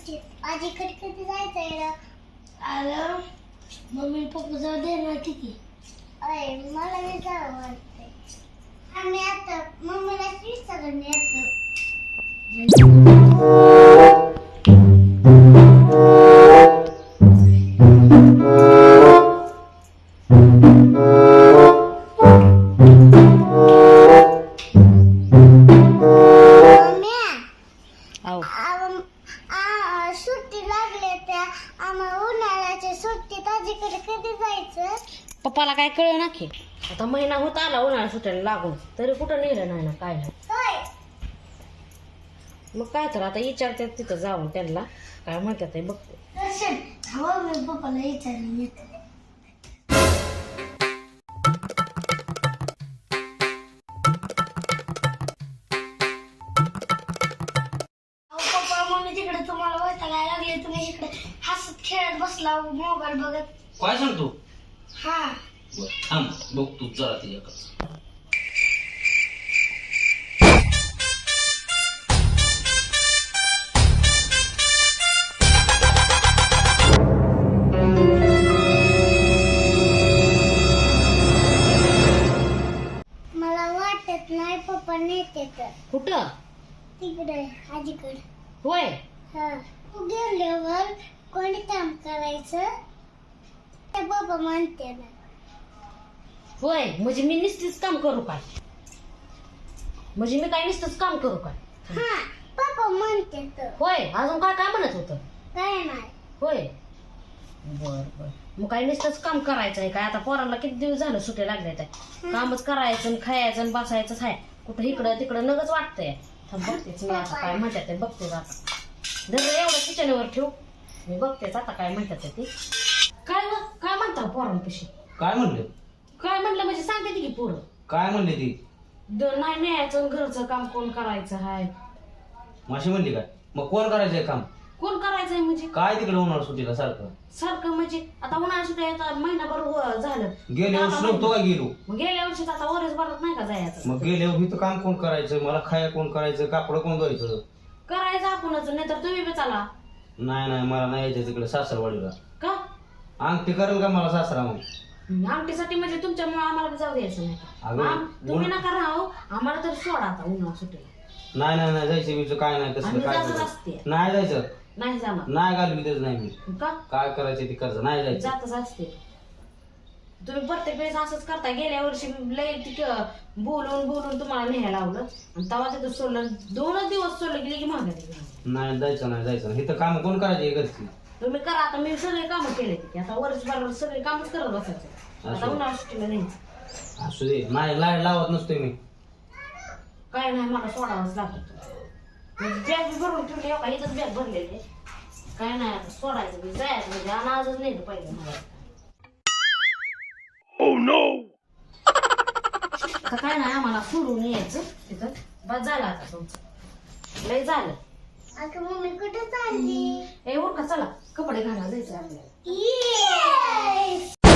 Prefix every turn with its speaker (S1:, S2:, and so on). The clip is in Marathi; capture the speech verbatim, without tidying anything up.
S1: आजीकडे कधी जायचंय?
S2: अरे मम्मी पप्पा जाऊ दे ना ठीक आहे.
S1: अरे मला नाही जावं वाटतंय. आम्ही आता मम्मीला विचारून येतो. सुट्टी लागले त्या आम्हाला उन्हाळ्याच्या सुट्टीत आजीकडे कधी जायचं?
S3: पप्पाला काय कळ ना की आता महिना होत आला उन्हाळा सुटायला लागून तरी कुठं नेलं नाही ना काय नाही.
S1: होय.
S3: मग काय तर आता विचारतात तिथं जाऊन त्यांना काय म्हणतात ते बघते.
S2: दर्शन हवा मी पप्पाला विचारून येते. पप्पा मम्मी तिकडे तुम्हाला वैतागायला लागले, तुम्ही इकडे हसत खेळत बसला मोबाईल बघत.
S4: काय सांगतो?
S2: हा
S4: बरं, थांब बघ तू जरा तिच्याकडे.
S1: मला वाटत नाही पप्पा नेते तर.
S3: कुठं?
S1: तिकडे आजीकडे.
S3: होय.
S1: हा गेल्यावर कोणी काम करायचं ते पप्पा म्हणते ना.
S3: होय म्हणजे मी नुसतीच काम करू काय? म्हणजे मी काय नुसतंच काम करू काय?
S1: हा पप्पा म्हणते तर.
S3: होय अजून काय काय म्हणत होतं?
S1: काय नाही.
S3: होय बर बर मग काय नुसतंच काम करायचं आहे काय? आता पोरांना किती दिवस झालं सुट्या लागल्या त्या कामच करायचं आणि खायचं आणि बसायचंच आहे. कुठं इकडं तिकडं नगच वाटतंय. थांब बघतेच मी आता काय म्हणतात ते बघतेच आता. जर एवढं किचनवर ठेव मी बघतेच आता काय म्हणतात ते. काय व? काय म्हणता पोरांपाशी?
S4: काय म्हणले?
S3: काय म्हणलं म्हणजे सांगते ती की पोरं
S4: काय म्हणले ती?
S3: द- नाही न्यायचं आणि घरचं काम कोण करायचं हाय?
S4: माशी म्हणली काय? मग कोण करायचंय काम?
S3: कोण करायचंय म्हणजे
S4: काय तिकडे उन्हाळा सुट्टीला सारखं?
S3: सारखं म्हणजे आता उन्हाळ्या सुट्ट्या आता महिनाभर हो- झालं.
S4: गेल्या वर्षी नव्हतो का गेलो?
S3: मग गेल्या वर्षीच आता वरच भरत नाही का जायचं?
S4: मग गेल्या इथं काम कोण करायचं? मला खाया कोण करायचं? कापड कोण धुवायचं?
S3: करायचं आपणच नाही तर तुम्ही बी चला.
S4: नाही नाही मला नाही यायचं तिकडे सासरवाडीला.
S3: का?
S4: अंगठी करेल का मला सासरा मग?
S3: आमटीसाठी म्हणजे तुमच्यामुळे आम्हाला बी जाऊ द्यायचं नाही.
S4: अगं,
S3: आम- तुम्ही
S4: उन-
S3: नका राहू आम्हाला तर सोडा आता उन्हाळा सुट्टीला.
S4: नाही नाही नाही जायचं मी काय नाही तसलं
S3: आम्ही
S4: काय
S3: जातच
S4: करायचं?
S3: असते.
S4: नाही जायचं.
S3: नाही जाणार.
S4: नाही घालवी तेच नाही मी.
S3: का?
S4: काय करायचं ते करायचं नाही जायचं.
S3: जातच असते. तुम्ही प्रत्येक वेळेस असंच करता. गेल्या वर्षी लय तिथं बोलून बोलून तुम्हाला न्यायला लावलं आणि तेव्हा तिथं सोडलं. दोनच दिवस सोडलं गेली की मागे
S4: नाही जायचं नाही जायचं नाही. इथं काम कोण करायचे घरची?
S3: तुम्ही करा. आता मी सगळे कामं केले की आता वर्षभर सगळे कामच करत बसायचं. आता उन्हाळा सुट्टीला न्यायचं.
S4: असू दे नाही लाईट लावत नसतोय मी.
S3: काय नाही मला सोडावंच लागत. बॅग भरून ठेवली का इथंच बॅग भरलेली. काय नाही आता सोडायचं मी जायचं म्हणजे अनाजच नाही पाहिजे मला. आता काय नाही आम्हाला सोडून यायचं तिथं. बस झालं आता तुमचं लय झालं.
S1: अगं मम्मी कुठे चालली?
S3: ए उरका चला कपडे घाला जायचं आपल्याला.
S1: Yes!